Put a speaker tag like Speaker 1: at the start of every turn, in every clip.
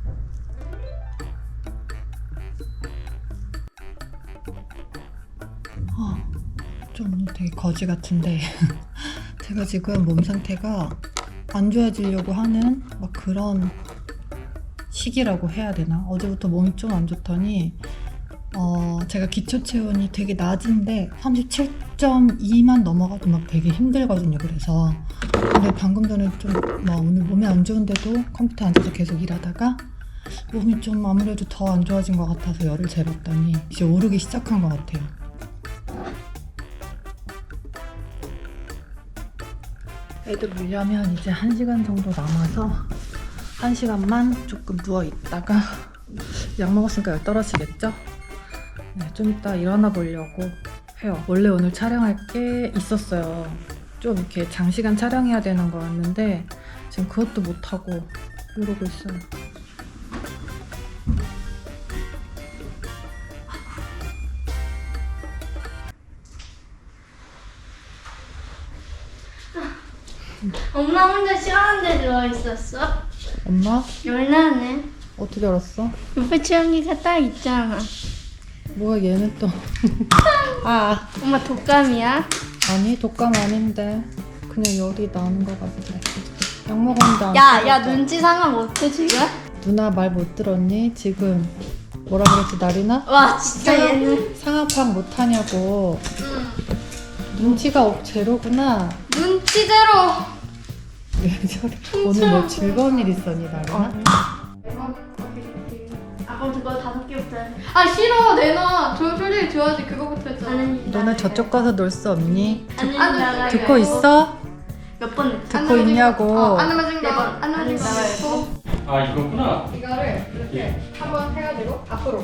Speaker 1: 좀 오늘 되게 거지 같은데 제가 지금 몸 상태가 안 좋아지려고 하는 막 그런 시기라고 해야 되나? 어제부터 몸이 좀 안 좋더니 제가 기초 체온이 되게 낮은데 37.2만 넘어가도 막 되게 힘들거든요. 그래서 근데 방금 전에 좀 오늘 몸이 안 좋은데도 컴퓨터 앉아서 계속 일하다가 몸이 좀 아무래도 더 안 좋아진 것 같아서 열을 재봤더니 이제 오르기 시작한 것 같아요. 애들 오려면 이제 1시간 정도 남아서 1시간만 조금 누워있다가 약 먹었으니까 열 떨어지겠죠? 네, 좀 이따 일어나 보려고 해요. 원래 오늘 촬영할 게 있었어요. 좀 이렇게 장시간 촬영해야 되는 거였는데 지금 그것도 못하고 이러고 있어요.
Speaker 2: 엄마 혼자 시원한 데 누워있었어?
Speaker 1: 엄마?
Speaker 2: 열나네.
Speaker 1: 어떻게 알았어?
Speaker 2: 옆에 채영이가 딱 있잖아.
Speaker 1: 뭐야 얘는 또 아
Speaker 2: 엄마 독감이야?
Speaker 1: 아니 독감 아닌데 그냥 열이 나는 것 같아. 약 먹었는데 안
Speaker 2: 야
Speaker 1: 풀렸다.
Speaker 2: 눈치 상하 못해 지금?
Speaker 1: 누나 말 못 들었니? 지금 뭐라 그랬지 나리나?
Speaker 2: 와 진짜 얘는
Speaker 1: 상하 파악 못하냐고. 눈치가 제로구나.
Speaker 2: 눈치대로.
Speaker 1: 왜 저래? 오늘 뭐 즐거운 일 있었니 나리나?
Speaker 2: 아까 그거 5개부터 해. 아 싫어 내놔. 저 솔직히 좋아하지 그거부터 했잖아.
Speaker 1: 너네 저쪽 가서 놀 수 없니?
Speaker 2: 안
Speaker 1: 듣고 있어?
Speaker 2: 몇번 했지?
Speaker 1: 듣고 있냐고.
Speaker 2: 안 맞은 거. 안 맞은 거.
Speaker 3: 아 이거구나.
Speaker 2: 이거를 이렇게 한번 해가지고 앞으로.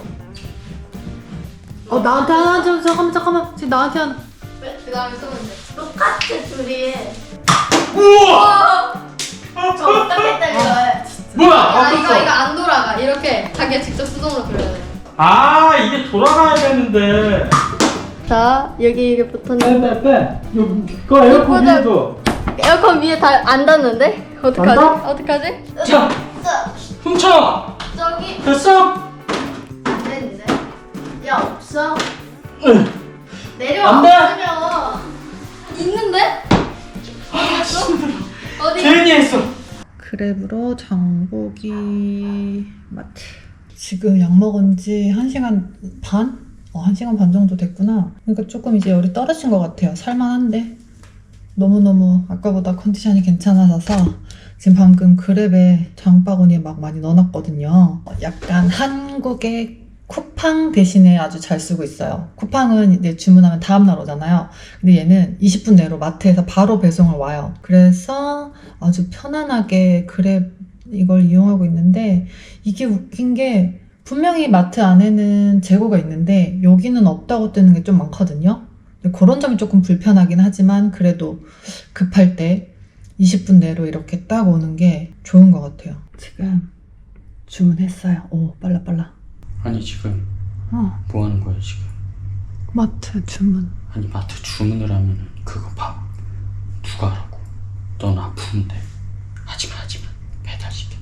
Speaker 1: 나한테 하나 좀 잠깐만 지금 나한테 하나.
Speaker 2: 그 다음에 쏘면 돼. 똑같아 둘이.
Speaker 3: 우와!
Speaker 2: 저 어떻게 때려요?
Speaker 3: 뭐야?
Speaker 2: 아 이거 안 돌아가. 이렇게 자기가 직접 수동으로 돌려야 돼.
Speaker 3: 아 이게 돌아가야 되는데.
Speaker 2: 자 여기 이게 붙었는데
Speaker 3: 빼. 이거 에어컨
Speaker 2: 이거보다-
Speaker 3: 위에도.
Speaker 2: 에어컨 위에 다 안 닿는데? 어떡하지?
Speaker 3: 안 닿아?
Speaker 2: 어떡하지?
Speaker 3: 자, 훔쳐.
Speaker 2: 저기
Speaker 3: 됐어?
Speaker 2: 안 되는데? 야 없어?
Speaker 3: 응.
Speaker 2: 내려와.
Speaker 3: 안 돼?
Speaker 2: 없으면. 있는데?
Speaker 3: 아 힘들어.
Speaker 2: 어디?
Speaker 3: 괜히 했어.
Speaker 1: 그랩으로 장보기 마트. 지금 약 먹은 지 1시간 반? 1시간 반 정도 됐구나. 그러니까 조금 이제 열이 떨어진 것 같아요. 살만한데 너무너무 아까보다 컨디션이 괜찮아져서 지금 방금 그랩에 장바구니에 막 많이 넣어놨거든요. 약간 한국의 쿠팡 대신에 아주 잘 쓰고 있어요. 쿠팡은 이제 주문하면 다음날 오잖아요. 근데 얘는 20분 내로 마트에서 바로 배송을 와요. 그래서 아주 편안하게 그랩 이걸 이용하고 있는데 이게 웃긴 게 분명히 마트 안에는 재고가 있는데 여기는 없다고 뜨는 게 좀 많거든요. 그런 점이 조금 불편하긴 하지만 그래도 급할 때 20분 내로 이렇게 딱 오는 게 좋은 것 같아요. 지금 주문했어요. 오 빨라.
Speaker 3: 아니 지금 뭐 하는 거야 지금?
Speaker 1: 마트 주문.
Speaker 3: 아니 마트 주문을 하면 그거 밥 누가 하라고? 넌 아픈데. 하지마 배달시켜.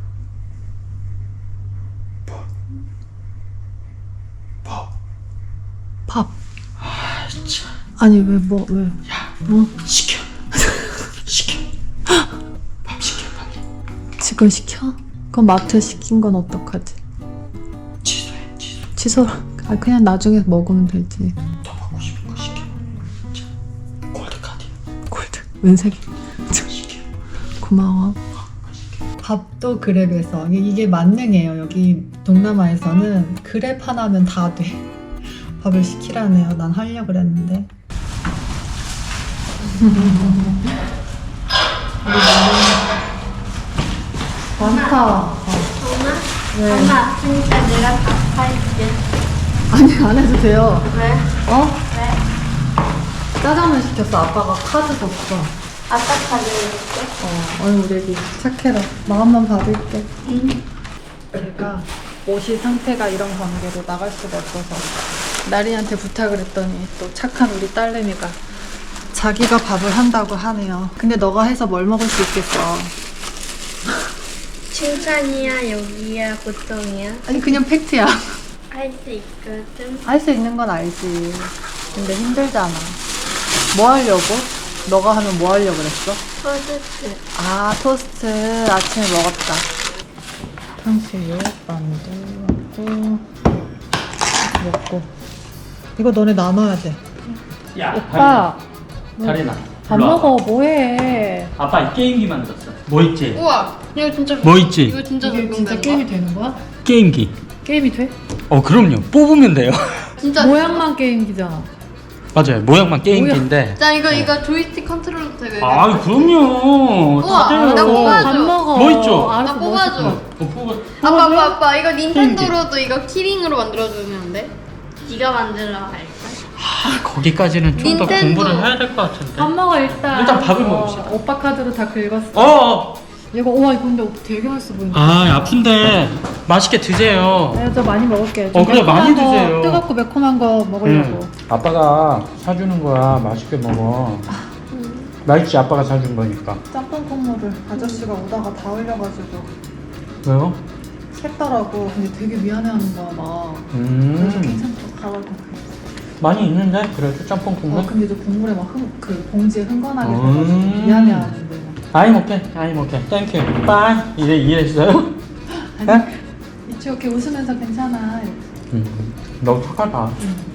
Speaker 3: 뭐?
Speaker 1: 밥.
Speaker 3: 아 참.
Speaker 1: 아니 왜?
Speaker 3: 야 시켜. 시켜. 밥 시켜 빨리.
Speaker 1: 지금 시켜? 그럼 마트 시킨 건 어떡하지?
Speaker 3: 취소해.
Speaker 1: 취소. 그냥 나중에 먹으면 되지.
Speaker 3: 더 먹고 싶은 거 시켜. 자, 골드카드.
Speaker 1: 골드. 은색이.
Speaker 3: 시켜.
Speaker 1: 고마워. 밥도 그랩에서 이게 만능이에요. 여기 동남아에서는 그랩 하나면 다 돼. 밥을 시키라네요. 난 하려고 그랬는데. 많다.
Speaker 2: 정말?
Speaker 1: 왜?
Speaker 2: 엄마 아프니까 내가 다 팔게.
Speaker 1: 아니 안 해도 돼요.
Speaker 2: 왜?
Speaker 1: 어?
Speaker 2: 왜?
Speaker 1: 짜장면 시켰어. 아빠가 카드 줬어.
Speaker 2: 아까 가져올게.
Speaker 1: 어이 우리 애기 착해라. 마음만 받을게.
Speaker 2: 응.
Speaker 1: 제가 옷이 상태가 이런 관계로 나갈 수가 없어서 나리한테 부탁을 했더니 또 착한 우리 딸내미가 자기가 밥을 한다고 하네요. 근데 너가 해서 뭘 먹을 수 있겠어.
Speaker 2: 칭찬이야, 여기야, 보통이야?
Speaker 1: 아니 그냥 팩트야.
Speaker 2: 할 수 있거든.
Speaker 1: 할 수 있는 건 알지. 근데 힘들잖아. 뭐 하려고? 너가 하면 뭐 하려고 그랬어?
Speaker 2: 토스트.
Speaker 1: 아, 토스트 아침에 먹었다. 탕수육, 만두 먹고. 이거 너네 나눠야 돼.
Speaker 3: 야,
Speaker 1: 오빠,
Speaker 3: 다리나.
Speaker 1: 밥 먹어. 뭐해?
Speaker 3: 아빠 게임기 만들었어. 뭐 있지?
Speaker 2: 우와, 이거 진짜.
Speaker 3: 뭐 있지?
Speaker 2: 이거 진짜
Speaker 1: 이게 진짜
Speaker 2: 적용되는
Speaker 1: 게임이
Speaker 2: 거야?
Speaker 1: 되는 거야?
Speaker 3: 게임기.
Speaker 1: 게임이 돼?
Speaker 3: 그럼요. 뽑으면 돼요.
Speaker 2: 진짜.
Speaker 1: 모양만 게임기잖아.
Speaker 3: 맞아요. 모양만 게임기인데.
Speaker 2: 자, 이거 조이스틱 컨트롤도 되게.
Speaker 3: 아, 그럼요.
Speaker 2: 우와,
Speaker 3: 다 돼요.
Speaker 2: 나 뽑아줘.
Speaker 1: 밥 먹어.
Speaker 3: 뭐 있죠?
Speaker 1: 알았어,
Speaker 2: 나 뽑아줘.
Speaker 1: 뭐
Speaker 2: 아빠, 이거 닌텐도로도 이거 키링으로 만들어주면 안 돼? 네가 만들어 할까?
Speaker 3: 거기까지는 좀 더
Speaker 2: 닌텐도.
Speaker 3: 공부를 해야 될 것 같은데.
Speaker 1: 밥 먹어 일단.
Speaker 3: 일단 밥을 먹읍시다.
Speaker 1: 오빠 카드로 다 긁었어.
Speaker 3: 어.
Speaker 1: 이거 우와 이거 근데 되게 맛있어 보인다.
Speaker 3: 아, 아픈데 맛있게 드세요.
Speaker 1: 내가 저 많이 먹을게.
Speaker 3: 그래, 많이 드세요.
Speaker 1: 뜨겁고 매콤한 거 먹으려고.
Speaker 3: 아빠가 사주는 거야. 맛있게 먹어. 맛있지, 아빠가 사준 거니까.
Speaker 1: 짬뽕 콩물을 아저씨가 오다가 다 흘려가지고
Speaker 3: 왜요?
Speaker 1: 샜더라고. 근데 되게 미안해하는 거야 막. 그래서
Speaker 3: 음.
Speaker 1: 괜찮다고 가라고.
Speaker 3: 많이 있는데 그래도 짬뽕 국물.
Speaker 1: 근데 저 국물에 막 그 봉지에 흥건하게
Speaker 3: 음.
Speaker 1: 들어가지고 미안해하는데.
Speaker 3: I'm okay. Thank you. Bye. 이랬어요?
Speaker 1: 아니 이치 이렇게 웃으면서 괜찮아.
Speaker 3: 너무 착하다.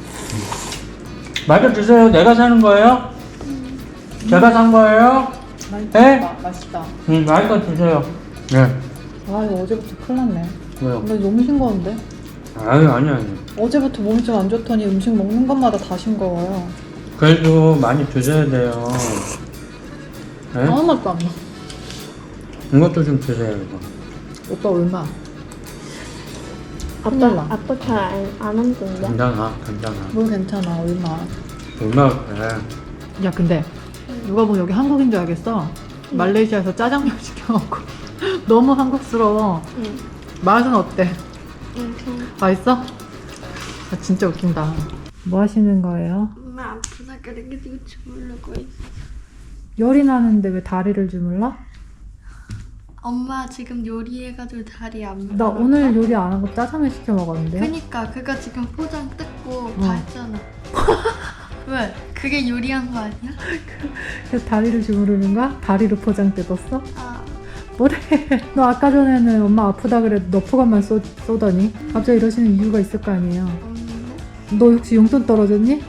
Speaker 3: 맛있게 드세요. 내가 사는 거예요? 제가 산 거예요? 네?
Speaker 1: 맛있다.
Speaker 3: 맛있게 드세요. 네.
Speaker 1: 아 이거 어제부터 큰일 났네.
Speaker 3: 왜요?
Speaker 1: 근데 너무 싱거운데?
Speaker 3: 아니.
Speaker 1: 어제부터 몸이 좀 안 좋더니 음식 먹는 것마다 다 싱거워요.
Speaker 3: 그래도 많이 드셔야 돼요. 네?
Speaker 1: 아무 맛도 안 나.
Speaker 3: 이것도 좀 드세요, 이거.
Speaker 1: 오빠 얼마? 큰일 나.
Speaker 2: 아빠 잘안 흔든데?
Speaker 3: 괜찮아.
Speaker 1: 뭘 괜찮아 얼마.
Speaker 3: 얼마나 그래.
Speaker 1: 야 근데 누가 보면 여기 한국인 줄 알겠어. 말레이시아에서 짜장면 시켜 먹고 너무 한국스러워.
Speaker 2: 응.
Speaker 1: 맛은 어때?
Speaker 2: 응.
Speaker 1: 맛있어? 아, 진짜 웃긴다. 뭐 하시는 거예요?
Speaker 2: 엄마 아프다 그래가지고 주물르고 있어.
Speaker 1: 열이 나는데 왜 다리를 주물러?
Speaker 2: 엄마 지금 요리해가지고 다리 안
Speaker 1: 나
Speaker 2: 물어.
Speaker 1: 오늘 요리 안 하고 짜장면 시켜 먹었는데.
Speaker 2: 그니까 그거 지금 포장 뜯고 다
Speaker 1: 어.
Speaker 2: 했잖아. 왜? 그게 요리한 거 아니야?
Speaker 1: 그래서 다리를 주무르는 거야? 다리로 포장 뜯었어?
Speaker 2: 아,
Speaker 1: 뭐래? 너 아까 전에는 엄마 아프다 그래 너프감만 쏘더니 갑자기 이러시는 이유가 있을 거 아니에요.
Speaker 2: 없는데?
Speaker 1: 너 혹시 용돈 떨어졌니?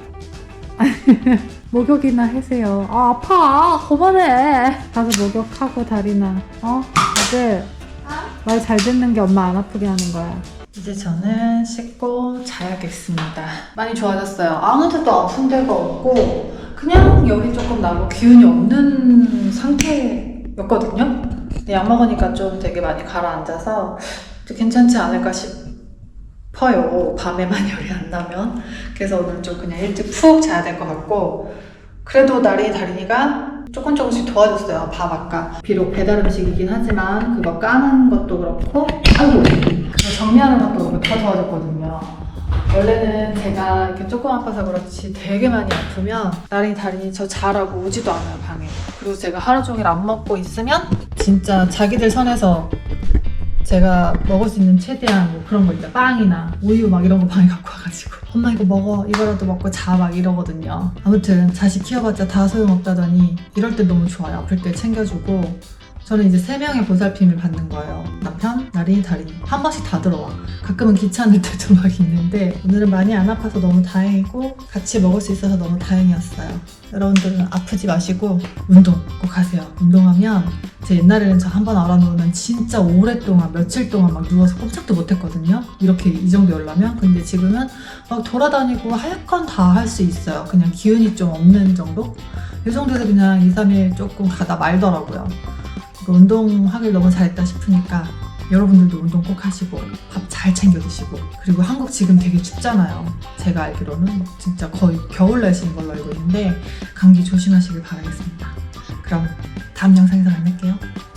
Speaker 1: 목욕이나 해세요. 아 아파. 그만해. 가서 목욕하고 다리나. 아들 말 잘 듣는 게 엄마 안 아프게 하는 거야. 이제 저는 씻고 자야겠습니다. 많이 좋아졌어요. 아무 데도 아픈 데가 없고 그냥 열이 조금 나고 기운이 없는 상태였거든요. 근데 약 먹으니까 좀 되게 많이 가라앉아서 괜찮지 않을까 싶어요. 밤에만 열이 안 나면. 그래서 오늘 좀 그냥 일찍 푹 자야 될 것 같고 그래도 나린이 다린이가 조금씩 도와줬어요. 밥 아까 비록 배달 음식이긴 하지만 그거 까는 것도 그렇고 아이고 그거 정리하는 것도 그렇고 다 도와줬거든요. 원래는 제가 이렇게 조금 아파서 그렇지 되게 많이 아프면 나린이 다린이 저 자라고 오지도 않아요 방에. 그리고 제가 하루 종일 안 먹고 있으면 진짜 자기들 선에서 제가 먹을 수 있는 최대한 뭐 그런 거 있다. 빵이나 우유 막 이런 거 방에 갖고 와가지고 엄마 이거 먹어 이거라도 먹고 자 막 이러거든요. 아무튼 자식 키워봤자 다 소용없다더니 이럴 때 너무 좋아요. 아플 때 챙겨주고 저는 이제 3명의 보살핌을 받는 거예요. 남편, 나린이, 다린이 한 번씩 다 들어와. 가끔은 귀찮을 때도 막 있는데 오늘은 많이 안 아파서 너무 다행이고 같이 먹을 수 있어서 너무 다행이었어요. 여러분들은 아프지 마시고 운동 꼭 하세요. 운동하면 제 옛날에는 저 한 번 알아놓으면 진짜 오랫동안 며칠 동안 막 누워서 꼼짝도 못했거든요. 이렇게 이 정도 열라면. 근데 지금은 막 돌아다니고 할 건 다 할 수 있어요. 그냥 기운이 좀 없는 정도? 이 정도에서 그냥 2, 3일 조금 가다 말더라고요. 운동하길 너무 잘했다 싶으니까 여러분들도 운동 꼭 하시고 밥 잘 챙겨 드시고 그리고 한국 지금 되게 춥잖아요. 제가 알기로는 진짜 거의 겨울 날씨인 걸로 알고 있는데 감기 조심하시길 바라겠습니다. 그럼 다음 영상에서 만날게요.